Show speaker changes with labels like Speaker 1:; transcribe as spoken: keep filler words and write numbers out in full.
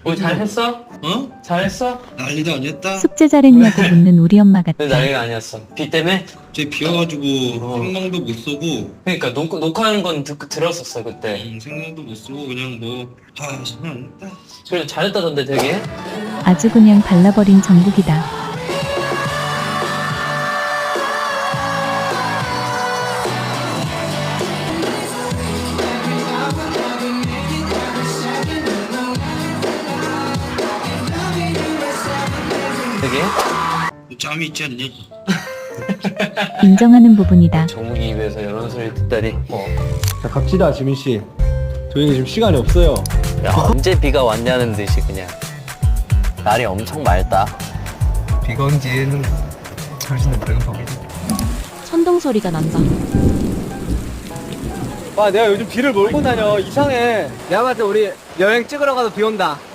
Speaker 1: 오늘 잘했어?
Speaker 2: 어?
Speaker 1: 잘했어?
Speaker 2: 난리도 아니었다.
Speaker 3: 숙제 잘했냐고 묻는 우리 엄마 같아.
Speaker 1: 근데 난리가 아니었어. 비 때문에?
Speaker 2: 쟤 비와가지고
Speaker 1: 어.
Speaker 2: 생방도 못 쏘고,
Speaker 1: 그러니까 녹, 녹화하는 건 듣, 들었었어 그때.
Speaker 2: 음, 생방도 못 쏘고 그냥 뭐, 아, 장난 아니다.
Speaker 1: 그래도 잘했다던데 되게.
Speaker 3: 아주 그냥 발라버린 정국이다.
Speaker 1: 되게.
Speaker 2: 뭐 짬이 있지 않니?
Speaker 3: 인정하는 부분이다.
Speaker 1: 정국이 입에서 이런 소리 듣다니. 어.
Speaker 4: 자 갑시다 지민씨. 저희는 지금 시간이 없어요.
Speaker 1: 야 언제 비가 왔냐는 듯이 그냥. 날이 엄청 맑다.
Speaker 5: 비가 온 뒤에는 훨씬 더 맑은 법이지.
Speaker 6: 천둥 소리가 난다.
Speaker 4: 와 내가 요즘 비를 몰고 다녀. 이상해.
Speaker 5: 내가 봤을 때 우리 여행 찍으러 가도 비 온다.